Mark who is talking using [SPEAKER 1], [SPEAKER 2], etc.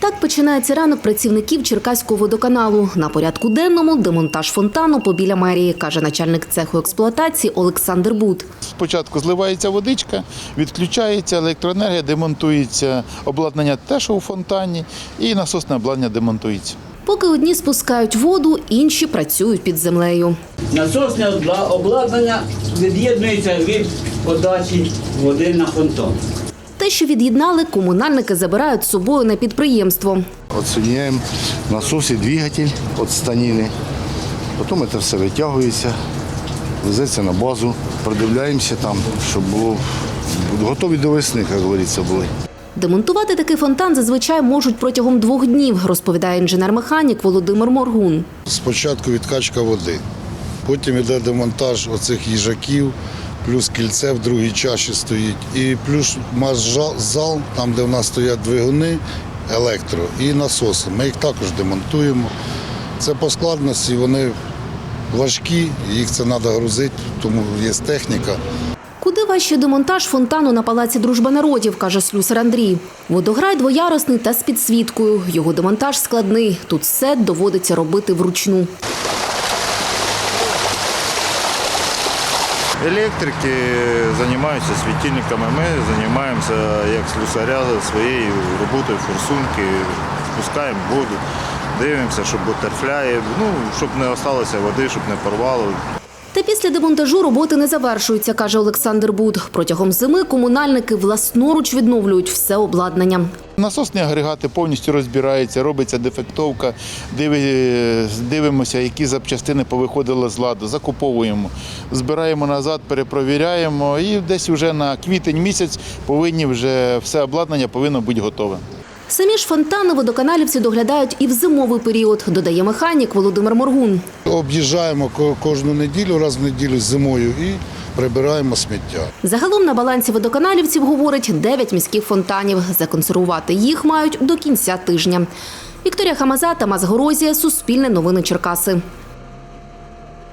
[SPEAKER 1] Так починається ранок працівників Черкаського водоканалу. На порядку денному – демонтаж фонтану побіля мерії, каже начальник цеху експлуатації Олександр Буд.
[SPEAKER 2] Спочатку зливається водичка, відключається електроенергія, демонтується обладнання те, що у фонтані, і насосне обладнання демонтується.
[SPEAKER 1] Поки одні спускають воду, інші працюють під землею.
[SPEAKER 3] Насосне обладнання від'єднується від подачі води на фонтан.
[SPEAKER 1] Те, що від'єднали, комунальники забирають з собою на підприємство.
[SPEAKER 4] Отсоединяем насос і двигатель від станини. Потім це все витягується, везеться на базу, продивляємося там, щоб було готові до весни, як говориться, були.
[SPEAKER 1] Демонтувати такий фонтан зазвичай можуть протягом 2 днів, розповідає інженер-механік Володимир Моргун.
[SPEAKER 5] Спочатку відкачка води, потім йде демонтаж оцих їжаків, плюс кільце в другій чаші стоїть, і плюс зал, там де в нас стоять двигуни, електро і насоси. Ми їх також демонтуємо. Це по складності, вони важкі, їх це треба грузити, тому є техніка.
[SPEAKER 1] Куди важче демонтаж фонтану на Палаці Дружби народів, каже слюсар Андрій. Водограй двоярусний та з підсвіткою. Його демонтаж складний. Тут все доводиться робити вручну.
[SPEAKER 6] Електрики займаються світильниками, ми займаємося як слюсаря своєю роботою форсунки, спускаємо воду, дивимося, щоб бутерфляє, щоб не залишилося води, щоб не порвало.
[SPEAKER 1] Та після демонтажу роботи не завершуються, каже Олександр Буд. Протягом зими комунальники власноруч відновлюють все обладнання.
[SPEAKER 2] Насосні агрегати повністю розбираються, робиться дефектовка, дивимося, які запчастини повиходили з ладу, закуповуємо, збираємо назад, перепровіряємо і десь вже на квітень місяць повинні вже все обладнання повинно бути готове.
[SPEAKER 1] Самі ж фонтани водоканалівці доглядають і в зимовий період, додає механік Володимир Моргун.
[SPEAKER 5] Об'їжджаємо кожну неділю, раз в неділю зимою і прибираємо сміття.
[SPEAKER 1] Загалом на балансі водоканалівців, говорить, 9 міських фонтанів. Законсервувати їх мають до кінця тижня. Вікторія Хамаза, Тамас Горозія, Суспільне новини Черкаси.